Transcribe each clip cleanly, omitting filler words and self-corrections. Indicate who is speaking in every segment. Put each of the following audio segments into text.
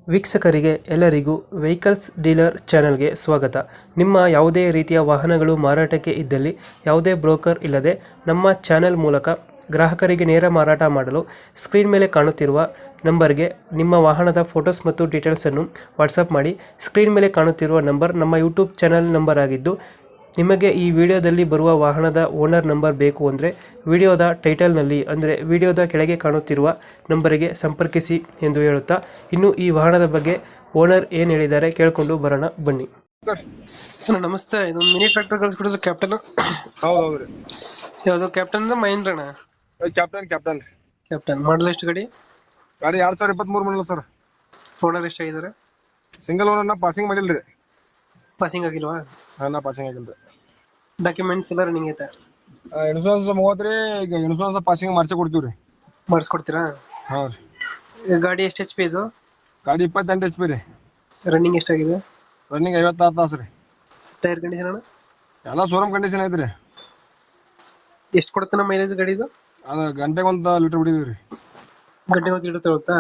Speaker 1: ವೀಕ್ಷಕರಿಗೆ ಎಲ್ಲರಿಗೂ vehicles dealer ಚಾನೆಲ್ಗೆ ಸ್ವಾಗತ. ನಿಮ್ಮ ಯಾವುದೇ ರೀತಿಯ ವಾಹನಗಳು ಮಾರಾಟಕ್ಕೆ ಇದ್ದಲ್ಲಿ ಯಾವುದೇ ಬ್ರೋಕರ್ ಇಲ್ಲದೆ ನಮ್ಮ ಚಾನೆಲ್ ಮೂಲಕ ಗ್ರಾಹಕರಿಗೆ ನೇರ ಮಾರಾಟ ಮಾಡಲು ಸ್ಕ್ರೀನ್ ಮೇಲೆ ಕಾಣುತ್ತಿರುವ ನಂಬರ್ಗೆ ನಿಮ್ಮ ವಾಹನದ ಫೋಟೋಸ್ ಮತ್ತು ಡೀಟೇಲ್ಸನ್ನು ವಾಟ್ಸಪ್ ಮಾಡಿ. ಸ್ಕ್ರೀನ್ ಮೇಲೆ ಕಾಣುತ್ತಿರುವ ನಂಬರ್ ನಮ್ಮ ಯೂಟ್ಯೂಬ್ ಚಾನೆಲ್ ನಂಬರ್ ಆಗಿದ್ದು, ನಿಮಗೆ ಈ ವಿಡಿಯೋದಲ್ಲಿ ಬರುವ ವಾಹನದ ಓನರ್ ನಂಬರ್ ಬೇಕು ಅಂದರೆ ವಿಡಿಯೋದ ಟೈಟಲ್ನಲ್ಲಿ ಅಂದರೆ ವಿಡಿಯೋದ ಕೆಳಗೆ ಕಾಣುತ್ತಿರುವ ನಂಬರಿಗೆ ಸಂಪರ್ಕಿಸಿ ಎಂದು ಹೇಳುತ್ತಾ, ಇನ್ನು ಈ ವಾಹನದ ಬಗ್ಗೆ ಓನರ್ ಏನು ಹೇಳಿದ್ದಾರೆ ಕೇಳಿಕೊಂಡು ಬರೋಣ ಬನ್ನಿ. ಸರ್ ನಮಸ್ತೆ, ಇದೊಂದು ಮಿನಿ ಟ್ರ್ಯಾಕ್ಟರ್ ಕಳಿಸ್ಕೊಡಿದ್ರು ಕ್ಯಾಪ್ಟನ್.
Speaker 2: ಹೌದೌದ್ರಿ.
Speaker 1: ಯಾವುದು ಕ್ಯಾಪ್ಟನ್ ಮಹೇಂದ್ರಣ?
Speaker 2: ಕ್ಯಾಪ್ಟನ್
Speaker 1: ಕ್ಯಾಪ್ಟನ್ ಮಾಡಲ್ ಎಷ್ಟು ಗಾಡಿ?
Speaker 2: ಗಾಡಿ 2023 ಮಾಡಲ್ ಸರ್.
Speaker 1: ಓನರ್ ಎಷ್ಟಾಗಿದ್ದಾರೆ?
Speaker 2: ಸಿಂಗಲ್ ಓನರ್ ಪಾಸಿಂಗ್ ಮಾಡಿಲ್ರಿ.
Speaker 1: ಪಾಸಿಂಗ್ ಆಗಿಲ್ವಾ?
Speaker 2: ನಾ ಪಾಸಿಂಗ್ ಆಗಿಲ್ರಿ.
Speaker 1: ಡಾಕ್ಯುಮೆಂಟ್ಸ್ ಎಲ್ಲ ರನ್ನಿಂಗ್ ಐತೆ?
Speaker 2: ಇನ್ಶೂರೆನ್ಸ್ 30 ಈಗ ಇನ್ಶೂರೆನ್ಸ್ ಪಾಸಿಂಗ್ ಮಾಡಿಸಿ ಕೊಡ್ತೀವ್ರಿ.
Speaker 1: ಮಾಡಿಸ್ಕೊಡ್ತೀರಾ?
Speaker 2: ಹಾ ರೀ.
Speaker 1: ಗಾಡಿ ಎಷ್ಟು HP ಇದು?
Speaker 2: ಗಾಡಿ 28 HP ರೀ.
Speaker 1: ರನ್ನಿಂಗ್ ಎಷ್ಟಾಗಿದೆ?
Speaker 2: ರನ್ನಿಂಗ್ 56 ತಾಸು ರೀ.
Speaker 1: ಟೈರ್ ಕಂಡೀಷನ್ ಅಣ್ಣ?
Speaker 2: ಎಲ್ಲ ಶೋರೂಮ್ ಕಂಡೀಷನ್ ಐತ್ರಿ.
Speaker 1: ಎಷ್ಟು ಕೊಡುತ್ತೆ ನಮ್ಮ ಮೈಲೇಜ್ ಗಾಡಿ ಇದು?
Speaker 2: ಅದು ಗಂಟೆಗೆ 1 ಲೀಟರ್ ಬಿಡಿದ್ರಿ.
Speaker 1: ಗಂಟೆಗೆ 1 ಲೀಟರ್ ತಗೊಳ್ತಾ?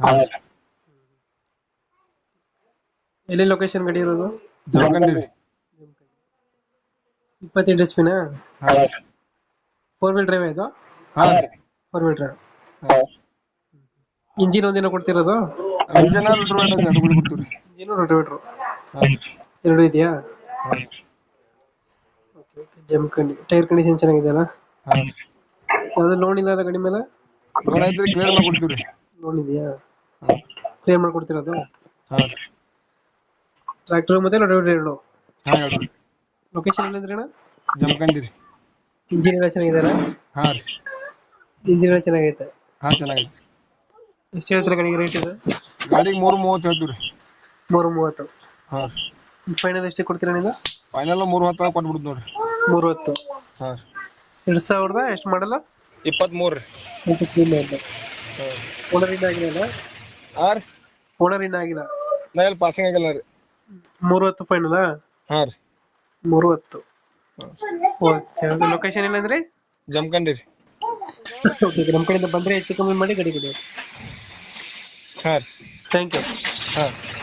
Speaker 1: ಎಲ್ಲಿ ಲೊಕೇಶನ್ ಗಾಡಿ ಇರೋದು?
Speaker 2: ಜಮಖಂಡಿ ರೀ.
Speaker 1: 28 HP ನಾ?
Speaker 2: ಹಾ.
Speaker 1: 4 ವೀಲ್ ಡ್ರೈವ್ ಇದು?
Speaker 2: ಹಾ ರೀ.
Speaker 1: 4 ವೀಲ್ ಡ್ರೈವ್. ಇಂಜಿನ್ ಒಂದಿನ ಕೊಡ್ತಿರೋದು?
Speaker 2: ಇಂಜಿನ್ ಲೀಟರ್ ಐತೆ, ಅದು ಕೂಡ ಕೊಡ್ತೀವ್ರಿ.
Speaker 1: ಇಂಜಿನ್ ರೋಟೋವೇಟರ್
Speaker 2: ಹಾ.
Speaker 1: ಎರಡು ಇದೆಯಾ?
Speaker 2: ಹಾ.
Speaker 1: Okay okay. Jamkhandi. Tyre condition ಚೆನ್ನಾಗಿದೆಯಲ್ಲ?
Speaker 2: ಹಾ.
Speaker 1: ಯಾವ್ದು ಲೋನ್ ಇಲ್ಲ ಗಾಡಿ ಮೇಲೆ?
Speaker 2: ಲೋನ್ ಐತ್ರಿ, ಕ್ಲಿಯರ್ ಮಾಡಿ ಕೊಡ್ತೀವ್ರಿ.
Speaker 1: ಲೋನ್ ಇದೆಯಾ?
Speaker 2: ಹಾ.
Speaker 1: ಕ್ಲಿಯರ್ ಮಾಡ್ಕೊಡ್ತಿರೋದು?
Speaker 2: ಹಾ.
Speaker 1: ಟ್ರ್ಯಾಕ್ಟರ್ ಮತ್ತೆ ರೋಟೋವೇಟರ್ ಎರಡು?
Speaker 2: ಹಾ ಹೇಳ್ರಿ.
Speaker 1: ಲೊಕೇಶನ್ ಎಲ್ಲಿಂದ್ರಿ ಅಣ್ಣ?
Speaker 2: ಜಮಖಂಡಿ ರೀ.
Speaker 1: ಇಂಜಿನ್ ಎಲ್ಲ ಚೆನ್ನಾಗಿದೆಯಲ್ಲ?
Speaker 2: ಹಾ ರೀ.
Speaker 1: ಇಂಜಿನ್ ಎಲ್ಲ ಚೆನ್ನಾಗೈತೆ?
Speaker 2: ಹಾ ಚೆನ್ನಾಗೈತಿ.
Speaker 1: ಎಷ್ಟು ಹೇಳ್ತಾರೆ ಗಾಡಿಗೆ ರೇಟ್ ಇದು?
Speaker 2: ಗಾಡಿಗೆ 330 ಹೇಳ್ತೀವ್ರಿ.
Speaker 1: 330.
Speaker 2: ಹಾ.
Speaker 1: ಫೈನಲ್ ಎಷ್ಟು ಕೊಡ್ತೀರಾ ನೀವು?
Speaker 2: ಫೈನಲ್ 310 ಕೊಟ್ಬಿಡ್ತು ನೋಡ್ರಿ.
Speaker 1: 310.
Speaker 2: ಹಾ.
Speaker 1: 2000 ಎಷ್ಟು ಮಾಡಲ್ಲ?
Speaker 2: 23 ರೀ.
Speaker 1: 23 ಮಾಡಲ್ಲ.
Speaker 2: ಹಾ.
Speaker 1: ಓನರ್ ಇನ್ನ ಆಗಿಲ್ಲ?
Speaker 2: ಹಾ ರೀ.
Speaker 1: ಓನರ್ ಇನ್ನ ಆಗಿಲ್ಲ?
Speaker 2: ನಾ ಎಲ್ಲಿ ಪಾಸಿಂಗ್ ಆಗಿಲ್ಲ ರೀ.
Speaker 1: 310 ಫೈನಲ್?
Speaker 2: ಹಾ ರೀ.
Speaker 1: 310. ಓಕೆ. ಲೊಕೇಶನ್ ಏನಂದ್ರಿ?
Speaker 2: ಜಮಖಂಡಿ ರೀ.
Speaker 1: ಓಕೆ. ನಮ್ಮ ಕಡೆಯಿಂದ ಬಂದ್ರೆ ಹೆಚ್ಚು ಕಮ್ಮಿ ಮಾಡಿ ಗಾಡಿ ಕೊಡಿ.
Speaker 2: ಹಾ ರೀ.
Speaker 1: Thank you.
Speaker 2: ಹಾ.